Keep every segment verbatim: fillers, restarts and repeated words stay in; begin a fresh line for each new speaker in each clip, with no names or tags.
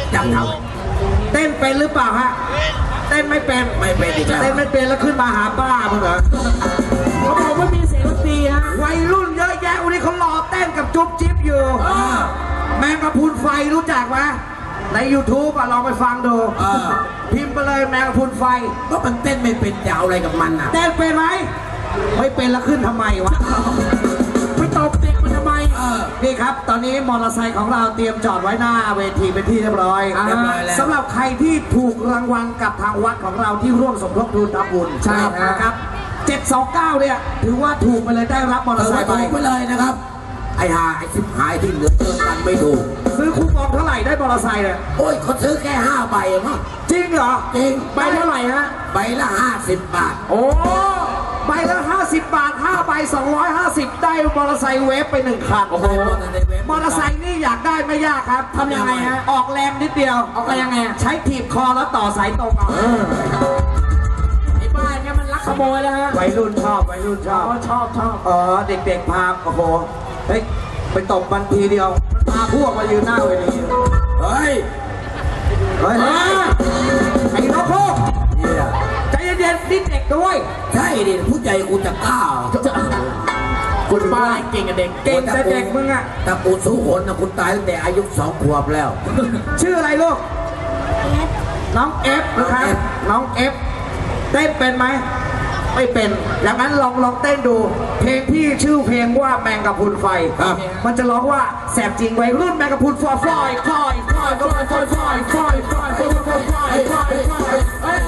จังเขาเต้นเป็นหรือเปล่าฮะเต้นไม่เป็นไม่เป็นอีกแล้วเต้นไม่เป็นแล้วขึ้นมาหาป้ามึงเหรอเขาบอกว่ามีเสียงดนตรีฮะวัยรุ่นเยอะแยะวันนี้เขารอเต้นกับจุ๊บจิ๊บอยู่แมงกะพรุนไฟรู้จักไหมใน ยูทูบ อ่ะลองไปฟังดูพิมพ์ไปเลยแมงกะพรุนไฟก็มันเต้นไม่เป็นจะเอาอะไรกับมันอ่ะเต้นเป็นไหมไม่เป็นแล้วขึ้นทำไมวะไปตบเด็กมันทำไมนี่ครับตอนนี้มอเตอร์ไซค์ของเราเตรียมจอดไว้หน้าเวทีเป็นที่เรียบร้อยสำหรับใครที่ถูกรางวัลกับทางวัดของเราที่ร่วมสมทบทุนทำบุญใช่นะครับเจ็ดสองเก้าเนี่ยถือว่าถูกไปเลยได้รับมอเตอร์ไซค์ไปเลยนะครับไอ้หาไอ้สิบหายที่เหลือเกินกันไม่ถูกซื้อคูปองเท่าไหร่ได้มอเตอร์ไซค์เนี่ยโอ้ยเขาซื้อแค่ห้าใบมั้งจริงเหรอจริงใบเท่าไหร่ฮะใบละห้าสิบบาทโอ้ใบละห้าสิบบาทห้าใบสองร้อยห้าสิบได้มอเตอร์ไซค์เวฟไปหนึ่งคันโอ้โหมอเตอร์ไซค์นี่อยากได้ไม่ยากครับทำยังไงฮะออกแรงนิดเดียวออกแรงยังไงใช้ถีบคอแล้วต่อสายตรงเอาไอ้บ้านเนี่ยมันลักขโมยแล้วฮะวัยรุ่นชอบวัยรุ่นชอบชอบชอบอ๋อเด็กๆพาโอ้โหเฮ้ยไปตบบันทีเดียวพาพวกมายืนหน้าเวทีเฮ้ยเฮ้ยไอ้น้องพวกใจเย็นๆนิดเด็กด้วยใช่ดิผู้ใหญ่กูจะกล้าคุณป้าเก่งกับเด็กเก่งแต่เด็กมึงอะแต่กูสู้คนนะคุณตายตั้งแต่อายุสองขวบแล้วชื่ออะไรลูกน้องเอฟนะครับน้องเอฟเต้นเป็นไหมไม่เป็นอย่างนั้นลองลองเต้นดูเพลงที่ชื่อเพลงว่าแมงกะพรุนไฟมันจะร้องว่าแสบจริงวัยรุ่นแมงกะพรุนฟอยฟอยฟอยฟอยฟอยฟอยฟอยฟอยฟอยฟอยฟอยฟอยฟอยฟอย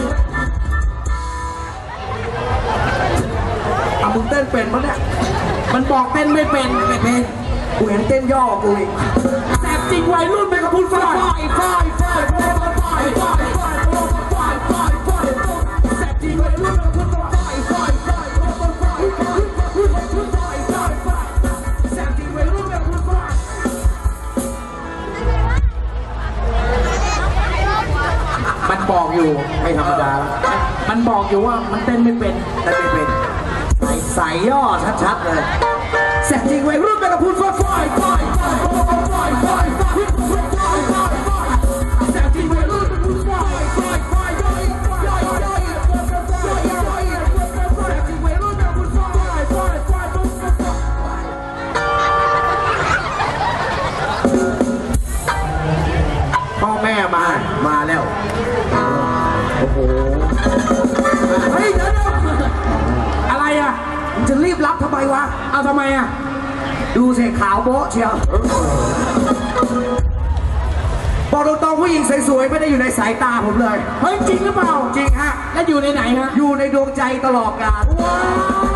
เอามึงเต้นเป็นมั้ยเนี่ยมันบอกเต้นไม่เป็นไม่เป็นกูเห็นเต้นย่อกูอีกแสบจริงวัยรุ่นแมงกะพรุนฟอยฟอยฟอยฟอยฟอยฟอยฟอยฟอยฟอยฟอยฟอยแสบจริงวัยรุ่นแมงกะพรุนฟอยฟอยฟอยฟอยฟอยฟอยฟอยฟอยฟอยแสบจริงวัยรุ่นแมงกะพรุนฟอยมันบอกอยู่ไม่ธรรมดามันบอกอยู่ว่ามันเต้นไม่เป็นเต้นไม่เป็นใส่ย่อชัดๆเลยแสบจริงวัยรุ่นแมงกะพรุนฟอยฟอยฟอยฟอยฟอยฟอยฟอยฟอยฟอยฟอยแสบจริงวัยรุ่นแมงกะพรุนฟอยฟอยฟอยย่อยย่อยย่อยย่อยย่อยแสบจริงวัยรุ่นแมงกะพรุนฟอยฟอยฟอยพ่อแม่มามาแล้วโอ้โหเฮ้ยเดี๋ยวอะไรอ่ะจะรีบรับทำไมวะเอาทำไมอ่ะดูเสียขาวโบ๊ะเชียวบอกตรงๆผู้หญิงสวยๆไม่ได้อยู่ในสายตาผมเลยเฮ้ยจริงหรือเปล่าจริงฮะแล้วอยู่ในไหนฮะอยู่ในดวงใจตลอดกาลว้าว